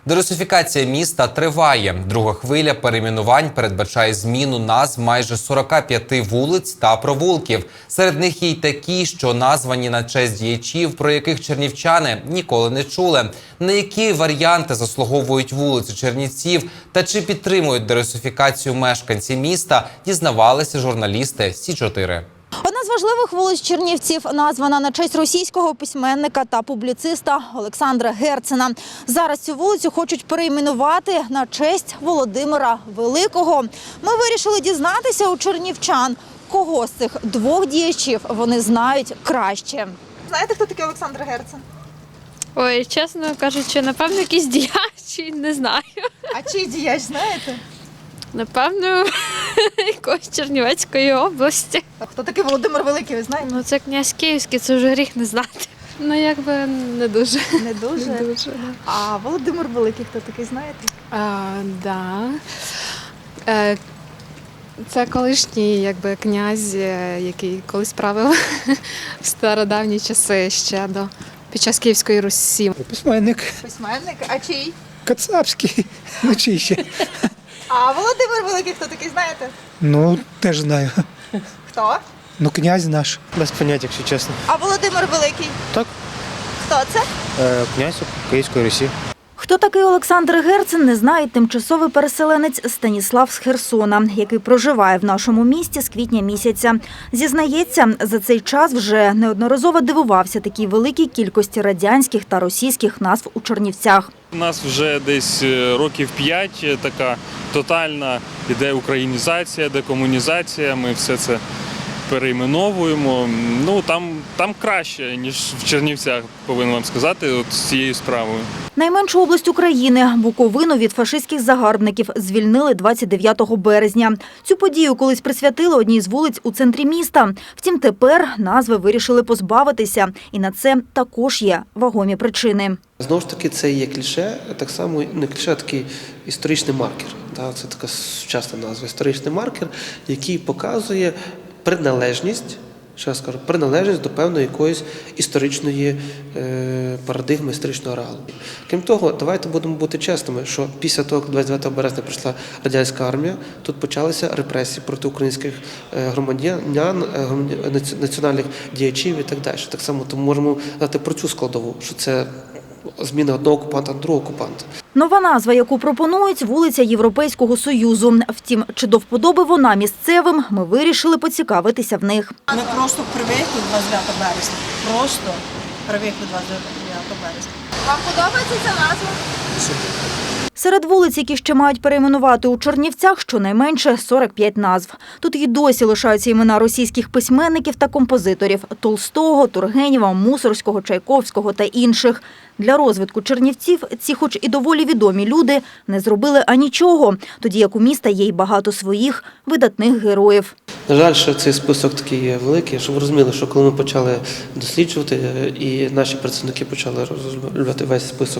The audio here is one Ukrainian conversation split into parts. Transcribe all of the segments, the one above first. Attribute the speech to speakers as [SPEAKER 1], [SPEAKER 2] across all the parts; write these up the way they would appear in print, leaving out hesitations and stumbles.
[SPEAKER 1] Дерусифікація міста триває. Друга хвиля перейменувань передбачає зміну назв майже 45 вулиць та провулків. Серед них є й такі, що названі на честь діячів, про яких чернівчани ніколи не чули. На які варіанти заслуговують вулиці Чернівців та чи підтримують дерусифікацію мешканці міста, дізнавалися журналісти Сі-4.
[SPEAKER 2] Одна з важливих вулиць Чернівців названа на честь російського письменника та публіциста Олександра Герцена. Зараз цю вулицю хочуть перейменувати на честь Володимира Великого. Ми вирішили дізнатися у чернівчан, кого з цих двох діячів вони знають краще. Знаєте, хто такий Олександр Герцен?
[SPEAKER 3] Ой, чесно кажучи, напевно, якийсь діяч, не знаю.
[SPEAKER 2] А чий діяч, знаєте?
[SPEAKER 3] Напевно, якоїсь Чернівецької області.
[SPEAKER 2] А хто такий Володимир Великий, ви знаєте?
[SPEAKER 3] Ну, це князь Київський, це вже гріх не знати. Ну, якби не дуже.
[SPEAKER 2] Не дуже?
[SPEAKER 3] Не дуже, да.
[SPEAKER 2] А Володимир Великий, хто такий, знаєте?
[SPEAKER 4] Да. Це колишній князь, який колись правив в стародавні часи ще під час Київської Русі.
[SPEAKER 5] Письменник
[SPEAKER 2] Письменник, а чий?
[SPEAKER 5] Кацапський, ну чий ще.
[SPEAKER 2] А Володимир Великий, хто такий, знаєте?
[SPEAKER 5] Ну, теж знаю.
[SPEAKER 2] Хто?
[SPEAKER 5] Ну, князь наш.
[SPEAKER 6] Без поняття, якщо чесно.
[SPEAKER 2] А Володимир Великий?
[SPEAKER 6] Так.
[SPEAKER 2] Хто це?
[SPEAKER 6] Князь Київської Русі.
[SPEAKER 2] Хто такий Олександр Герцен, не знає тимчасовий переселенець Станіслав з Херсона, який проживає в нашому місті з квітня місяця. Зізнається, за цей час вже неодноразово дивувався такій великій кількості радянських та російських назв у Чернівцях.
[SPEAKER 7] У нас вже десь років 5 така тотальна іде українізація, декомунізація, ми все це перейменовуємо. Ну, там краще, ніж в Чернівцях, повинен вам сказати, от з цією справою.
[SPEAKER 2] Найменшу область України – Буковину від фашистських загарбників звільнили 29 березня. Цю подію колись присвятили одній з вулиць у центрі міста. Втім, тепер назви вирішили позбавитися. І на це також є вагомі причини.
[SPEAKER 8] Знову ж таки, це є кліше, так само не кліше, а такий історичний маркер. Це така сучасна назва – історичний маркер, який показує приналежність, ще раз кажу, приналежність до певної якоїсь історичної парадигми, історичного реалу. Крім того, давайте будемо бути чесними, що після того, як 29 березня прийшла радянська армія, тут почалися репресії проти українських громадян, національних діячів і так далі. Так само тому можемо знати про цю складову, що це зміна одного окупанта на другого окупанта.
[SPEAKER 2] Нова назва, яку пропонують – вулиця Європейського Союзу. Втім, чи до вподоби вона місцевим, ми вирішили поцікавитися в них.
[SPEAKER 9] Ми просто привикли 29 березня. Просто привикли 29 березня.
[SPEAKER 2] Вам подобається ця назва? Серед вулиць, які ще мають перейменувати у Чернівцях, щонайменше 45 назв. Тут і досі лишаються імена російських письменників та композиторів – Толстого, Тургенєва, Мусорського, Чайковського та інших. Для розвитку Чернівців ці, хоч і доволі відомі люди, не зробили анічого, тоді як у міста є й багато своїх видатних героїв.
[SPEAKER 8] На жаль, що цей список такий великий, щоб ви розуміли, що коли ми почали досліджувати і наші працівники почали розробляти весь список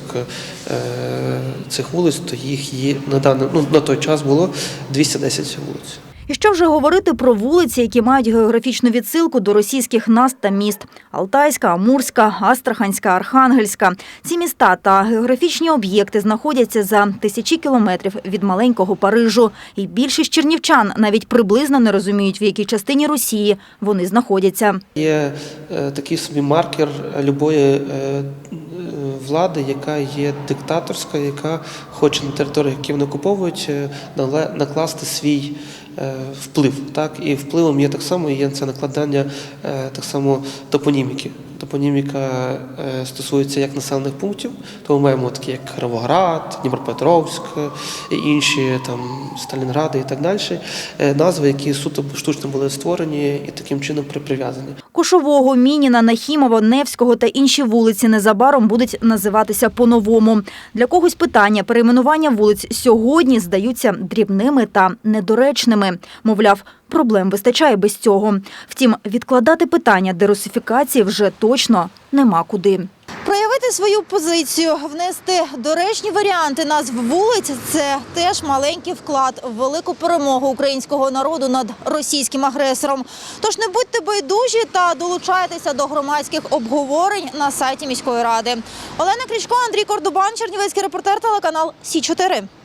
[SPEAKER 8] цих вулиць, то їх є на той час було 210 вулиць.
[SPEAKER 2] І що вже говорити про вулиці, які мають географічну відсилку до російських назв та міст – Алтайська, Амурська, Астраханська, Архангельська. Ці міста та географічні об'єкти знаходяться за тисячі кілометрів від маленького Парижу. І більшість чернівчан навіть приблизно не розуміють, в якій частині Росії вони знаходяться.
[SPEAKER 8] Є такий собі маркер любої влади, яка є диктаторська, яка хоче на території, які вони окуповують, накласти свій вплив. Так? І впливом є так само є це накладання так само топоніміки. Топоніміка стосується як населених пунктів, то ми маємо такі як Кіровоград, Дніпропетровськ і інші, там Сталінгради і так далі, назви, які суто штучно були створені і таким чином прив'язані.
[SPEAKER 2] Кошового, Мініна, Нахімова, Невського та інші вулиці незабаром будуть називатися по-новому. Для когось питання перейменування вулиць сьогодні здаються дрібними та недоречними. Мовляв, проблем вистачає без цього. Втім, відкладати питання дерусифікації вже точно нема куди. Проявити свою позицію, внести доречні варіанти назв вулиць – це теж маленький вклад в велику перемогу українського народу над російським агресором. Тож не будьте байдужі та долучайтеся до громадських обговорень на сайті міської ради. Олена Крічко, Андрій Кордубан, Чернівецький репортер, телеканал Сі 4.